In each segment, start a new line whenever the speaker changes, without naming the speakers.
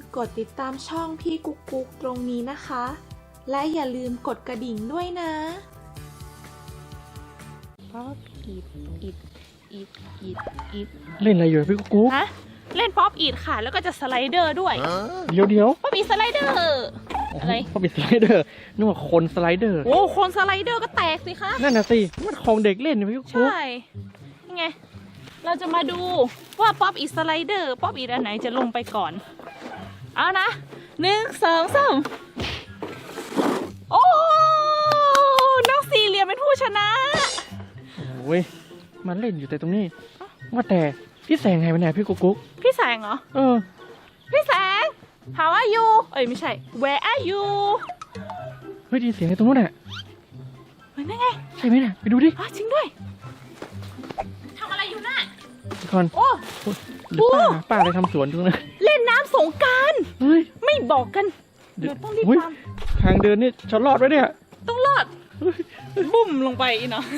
กดติดตามช่องพี่กุ๊กกุ๊กตรงนี้นะคะ และอย่าลืมกดกระดิ่งด้วยนะ
ป๊อปอีด
เล่นอะไรอยู่พี่กุ๊ก
ฮะเล่นป๊อปอีดค่ะแล้วก็จะสไลเดอร์ด้วย
เดี๋ยว
ป๊อปอีดสไลเดอร์อะไร
เขาเป็นสไลเดอร์นึกว่าคนสไลเดอร์
โอ้คนสไลเดอร์ก็แตกสิคะ
นั่นน่ะสิมันของเด็กเล่นนะพี่กุ๊ก
ใช่ยังไงเราจะมาดูว่าป๊อปอีดสไลเดอร์ป๊อปอีดอันไหนจะลงไปก่อนเอานะ1 2 3โอ้น้องสี่เหลี่ยมเป็นผู้ชนะ
โอ้ยมันเล่นอยู่แต่ตรงนี้ว่าแต่พี่แสงหายไปไหนพี่กุ๊ก
พี่แสงเหรอ
เออ
พี่แสง How are you เอ้ยไม่ใช่ Where are you
เฮ้ยได้ยินเสียงอะไรตรงนู้นน่ะ
เฮ้ยนั่นไง
ใช่ไหมน่ะไปดูดิ
อ๋อจริงด้วยทำอะไรอยู่น่ะ
ทุกคน
โอ้
หรือป้าอะไรทำสวนตรงนั้น
เล่นน้ำสงกรานต์
เฮ้ย
ไม่บอกกันเดี๋ยวต้องรีบ
เฮ้ย
ตาม
ทางเดินนี่ฉันรอดไว้เนี่ย
ต้องรอดบุ่มลงไปอีกเนาะ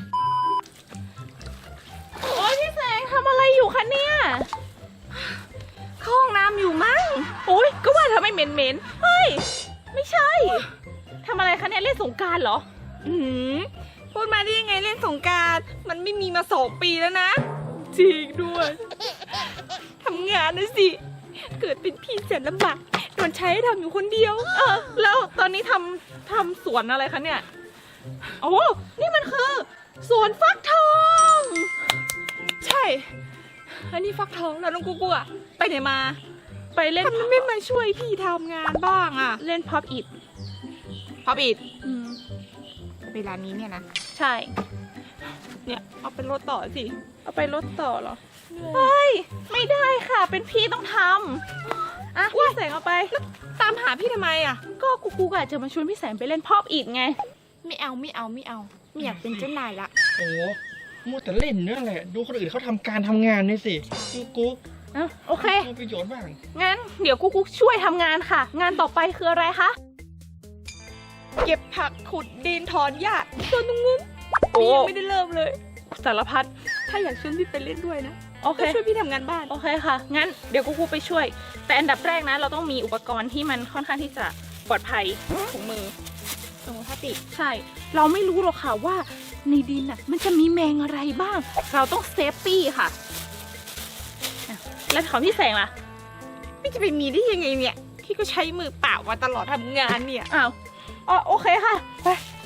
โอ้ยพี่แสงทำอะไรอยู่คะเนี่ยเข้าห้องน้ำอยู่มั้งโอ้ยก็ว่าทำไมเหม็นเฮ้ยไม่ใช่ทำอะไรคะเนี่ยเล่นสงกรานต์เหรอ
พูดมาได้ยังไงเล่นสงกรานต์มันไม่มีมา2 ปีแล้วนะ
จริงด้วย
ทำงานนะสิ เกิดเป็นพี่แสนลำบากโดนใช้ให้ทำอยู่คนเดียว
แล้วตอนนี้ทำสวนอะไรคะเนี่ยโอ้นี่มันคือสวนฟักทอง
ใช่ อันนี้ฟักทองแล้วน้องกุ๊กอะไปไหนมา
ไปเล่น
ทำไมไม่มาช่วยพี่ทำงานบ้างอะ
เล่นพับอิด
พอปิดเวลานี้เนี่ยนะ
ใช่
เนี่ยเอาเป็นรถต่อสิ
เอาไปรถต่อเหรอเฮ้ยไม่ได้ค่ะเป็นพี่ต้องทำอ่ะพี่แสงเอาไป
ตามหาพี่ทำไมอะ
ก็กูอาจจะมาชวนพี่แสงไปเล่นพับอิดไง
ไม่เอาไม่อยากเป็นเจ้านายละ
โอ้มัวแต่เล่นนั่นแหละดูคนอื่นเขาทำการทำงานนี่สิพี่กุ๊ก
อ่ะโอเค
มีประโยชน์บ้าง
งั้นเดี๋ยวกูช่วยทำงานค่ะ งานต่อไปคืออะไรคะ
เก็บผักขุดดินถอนหญ้าส่วนตรงนู้น
โอ้
พี่ยังไม่ได้เริ่มเลย
สารพัด
ถ้าอยากชวนพี่ไปเล่นด้วยนะ
โอเค
ก็ช่วยพี่ทำงานบ้าน
โอเคค่ะ งั้นเดี๋ยวกูไปช่วย แต่อันดับแรกนะ เราต้องมีอุปกรณ์ที่มันค่อนข้างที่จะปลอดภัยถุงมือ
สมมติถ้าติด
ใช่ เราไม่รู้หรอกค่ะว่าในดินน่ะมันจะมีแมงอะไรบ้าง เราต้องเซฟตี้ค่ะอ่ะ แล้วของพี่แสงล่ะ
พี่จะไปมีได้ยังไงเนี่ยพี่ก็ใช้มือเปล่ามาตลอดทำงานเนี่ย
อ้าวอ๋อโอเคค่ะ ไป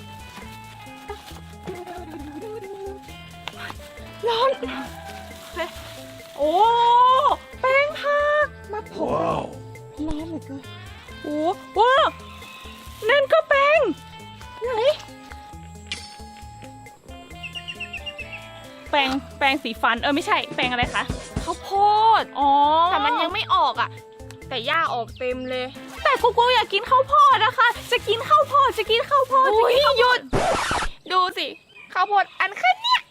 ร้อน
โอ้ แป้งผัก
มาผมร้อนเหลือเกิน
โอ้ว้าวนั่นก็แป้งไหนแป้งสีฟัน ไม่ใช่ แป้งอะไรคะ
ข้าวโพด
อ๋อ
แต่มันยังไม่ออกอ่ะ แต่หญ้าออกเต็มเลย
แต่กูอยากกินข้าวโพดนะคะ จะกินข้าวโพด จะกินข้าวโพด
อุ้ยหยุด ดูสิข้าวโพดอันแค่เนี้ย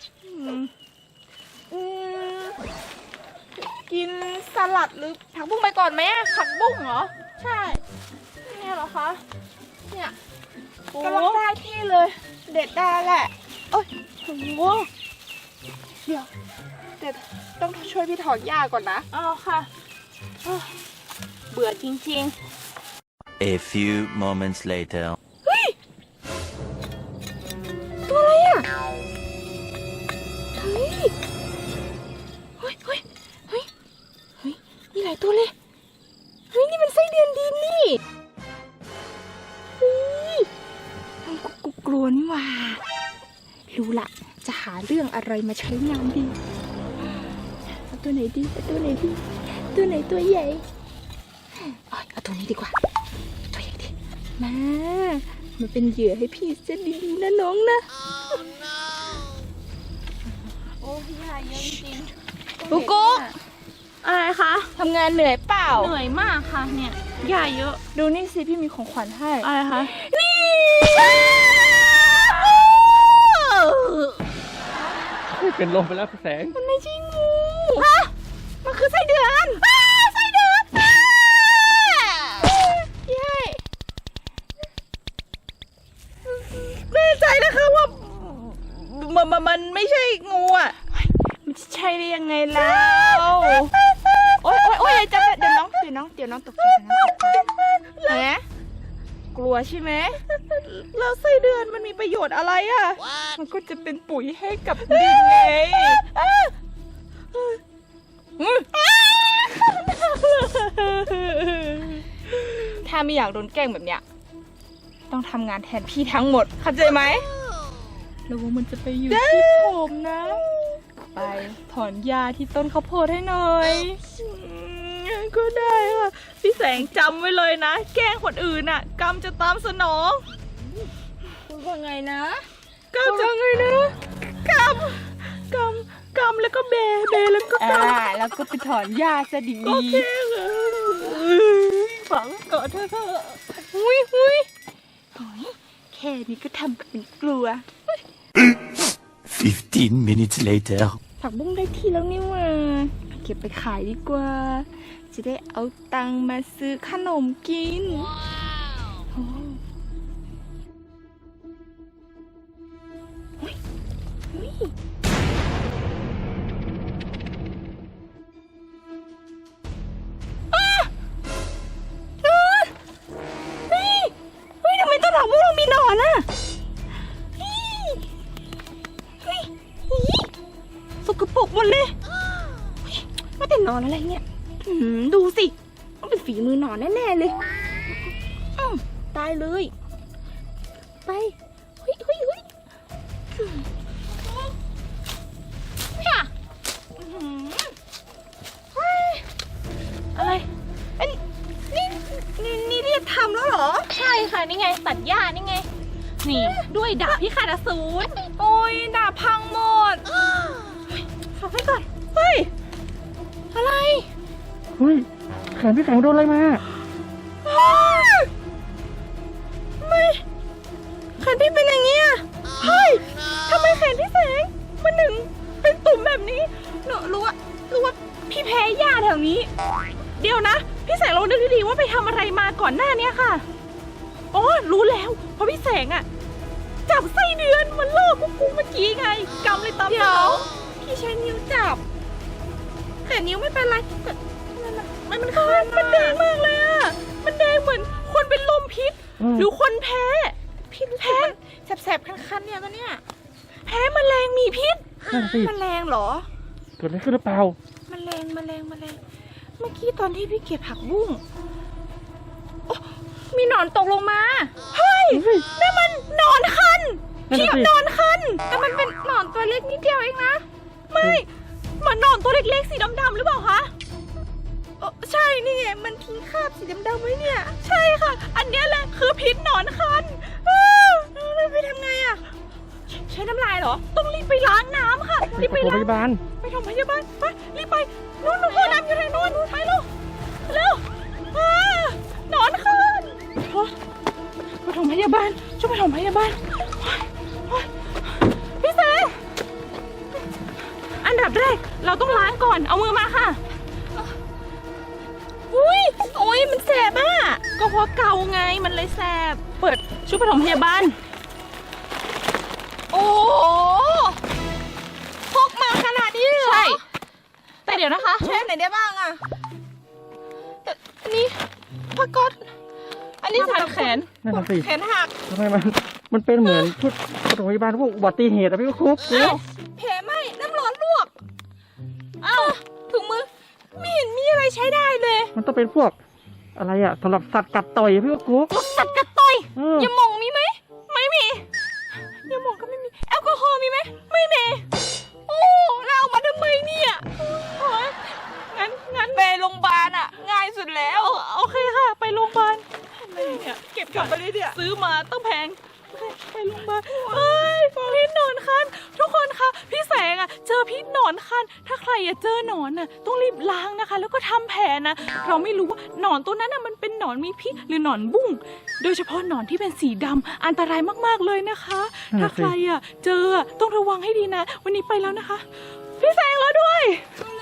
กินสลัดหรือผักบุ้งไปก่อนไหมอะ
ผักบุ้งเหรอ
ใช่
เนี่ยเหรอคะ
เนี่ย
โอ้
กำลังได้ที่เลย เด็ดได้แหละโอ้ยโหเดี๋ยวแต่ต้องช่วยพี่ถอนหญ้าก่อนนะ
เอาค่ะเอ้อเบื่อจริง
A few moments later.
ตัวอะไรอ่ะ เฮ้ย เฮ้ย เฮ้ย เฮ้ย เฮ้ย มีหลายตัวเลย เฮ้ย นี่มันไส้เดือนดินนี่ เฮ้ยกูกลัวนี่หว่า รู้ละ จะหาเรื่องอะไรมาใช้งานดี เอาตัวไหนดี เอาตัวไหนดี ตัวไหนตัวใหญ่เอาตัวนี้ดีกว่า ตัวใหญ่ดิมาเป็นเหยื่อให้พี่เส้นดีๆนะน้องนะ
ๆ โอ้พี่ยาเยอะจริง
กุ๊กกุ๊ก
อะไรคะ
ทำงานเหนื่อยเปล่า
เหนื่อยมากค่ะเนี่ยยาเยอะ
ดูนี่สิพี่มีของขวัญให้
อะไรคะ
นี่
เป็นลมไปแล้วพี่แสง
มันไม่ใช่งูฮะมันคือไส้เดือนไส้เดือนเย้แน่ใจนะคะว่ามันไม่ใช่งูอ่ะ
มันจะใช่ได้ยังไงแล้ว
โอ๊ยอย่าจับเดี๋ยวน้องน้องตกใจนะเห็นไหมกลัวใช่ไหม
แล้วไส้เดือนมันมีประโยชน์อะไรอ่ะ
มันก็จะเป็นปุ๋ยให้กับดินไงถ้าไม่อยากโดนแกล้งแบบเนี้ยต้องทำงานแทนพี่ทั้งหมดเข้าใจไหมแล้วว่ามันจะไปอยู่ที่ผมนะ ไปถอนหญ้าที่ต้นข้าวโพดให้หน่อย
ก็ได้ค่ะพี่แสงจำไว้เลยนะ แกล้งคนอื่นน่ะ กรรมจะตามสนอง
คุณว่าไงนะ
กรรมจะไงนะกรรมแล้วก็เบแล้วก็กรรม
แล้วก็ไปถอนหญ้าซะดี
โอเคค่ะฝังก่อนเถอะ
หุยแค่นี้ก็ทำกันเป็นกลัว
15 minutes later.
ผักบุ้งได้ที่แล้วนี่หว่าเก็บไปขายดีกว่า จะได้เอาตังค์มาซื้อขนมกินโอ้เฮ้ยทำไมต้นผักบุ้งเรามีหนอนอ่ะสกปรกหมดเลยว่าแต่นอนอะไรเนี่ยดูสิต้องเป็นฝีมือหนอนแน่ๆเลยตายเลยไปเฮ้ย
อะไร
นี่เรียกทำแล้วเหรอ
ใช่ค่ะ นี่ไงตัดหญ้านี่ไง นี่ด้วยดาบพิฆาตอสูร
โอ้ยดาบพังหมดฝากไว้ก่อนเฮ้ยอะไร
เฮ้ยแขนพี่แสงโดนอะไรมา
ไม่แขนพี่เป็นอย่างเงี้ยเฮ้ยทำไมแขนพี่แสงมันถึงเป็นตุ่มแบบนี้หนูรู้ว่าพี่แพ้หญ้าแถวนี้
เดี๋ยวนะ พี่แสงลองนึกดีๆว่าไปทำอะไรมาก่อนหน้านี้ค่ะอ๋อรู้แล้วเพราะพี่แสงอะจับไส้เดือนมันล่อกุ๊กเมื่อกี้ไงกรรมเลยตาม
เดี๋
ส
ย
น
ว
อง
พี่ใช้นิ้วจับแต่นิ้วไม่เป็นไรแต่มันคั
มันแดงมากเลยอะมันแดงเหมือนคนเป็นลมพิษ หรือคนแพ้
พี่รู้สึกมันแสบๆคันๆเนี่ยตอนเนี้ย
แพ้แมลงมีพิษ
นั่นสิ
มันแรงเหรอ
เกิดอะไรขึ้นหรือเปล่า
มันแรงเมื่อกี้ตอนที่พี่เก็บผักบุ้งโอ้มีหนอนตกลงมาเฮ้ยนั่นมันหนอนคัน
นั่น
พี่
น่ะสิ
หนอนคันแต่มันเป็นหนอนตัวเล็กนิดเดียวเองนะ
ไม่เหมือนหนอนตัวเล็กๆสีดำๆหรือเปล่าคะ
ใช่นี่ไงมันทิ้งคราบสีดำๆไว้เนี่ย
ใช่ค่ะ อันเนี้ยแหละคือพิษหนอนคัน
แล้วไปทำไงอ่ะใช้น้ำลายเหรอ
ต้องรีบไปล้างน้ำค่ะ รีบ
ไป
ไป
โรง
ล้าง
พยาบาล
ไปโรงพยาบาลไปรีบไปนู่นห้องน้ำอยู่ทางนู้นไปเร็วเร็วหนอนคันไปโรงพยาบาลช่วยไปโรงพยาบาลพี่แสงอันดับแรกเราต้องล้างก่อนเอามือมาค่ะ
อุ้ยโอ้ยมันแสบอ่ะ
ก็เพราะเกาไงมันเลยแสบเปิดชุดปฐมพยาบาล
โอ้พกมาขนาดนี้เลยเหรอ
ใช่แต่เดี๋ยวนะคะ
ใช้ไหนได้บ้างอ่ะแต่อันนี้ผ้าก๊อตอันนี้
ผ้าพันแขน
นั่นน่ะสิ
แขนหัก
ทำไมมันเป็นเหมือนชุดปฐมพยาบาลพวกอุบัติเหตุอะพี่คุก
อ้าว
แผลไหมน้ำร้อนลวกอ้าวถุงมือไม่เห็นมีอะไรใช้ได้เลย
มันต้องเป็นพวกอะไรอะสำหรับสัตว์กัดต่อยอะพี่คุก
สัตว์กัดต่อย
เ
ยาหม่องมีไหม
ไม่มี
ยาหม่องก็ไม่มีแอลกอฮอล์มีไหมไม่มีโอ้แล้วเอามาทำไมเนี่ยโอ๊ยงั้นไปโรงพยาบาลอ่ะ ง่ายสุดแล้ว
โอเคค่ะ ไปโรงพยาบาล
เก็บกลับไปเลยเนี่ย
ซื้อมาต้องแพงไปโรงพยาบาลเฮ้ยพิษหนอนคันทุกคนคะพี่แสงอะเจอพิษหนอนคันถ้าใครอะเจอหนอนอะต้องรีบล้างนะคะ แล้วก็ทำแผลนะเราไม่รู้ว่าหนอนตัวนั้นอะมันเป็นหนอนมีพิษหรือหนอนบุ้งโดยเฉพาะหนอนที่เป็นสีดำอันตรายมากๆเลยนะคะ ถ้าใครอะเจออะต้องระวังให้ดีนะ วันนี้ไปแล้วนะคะ พี่แสงแล้วด้วย
อื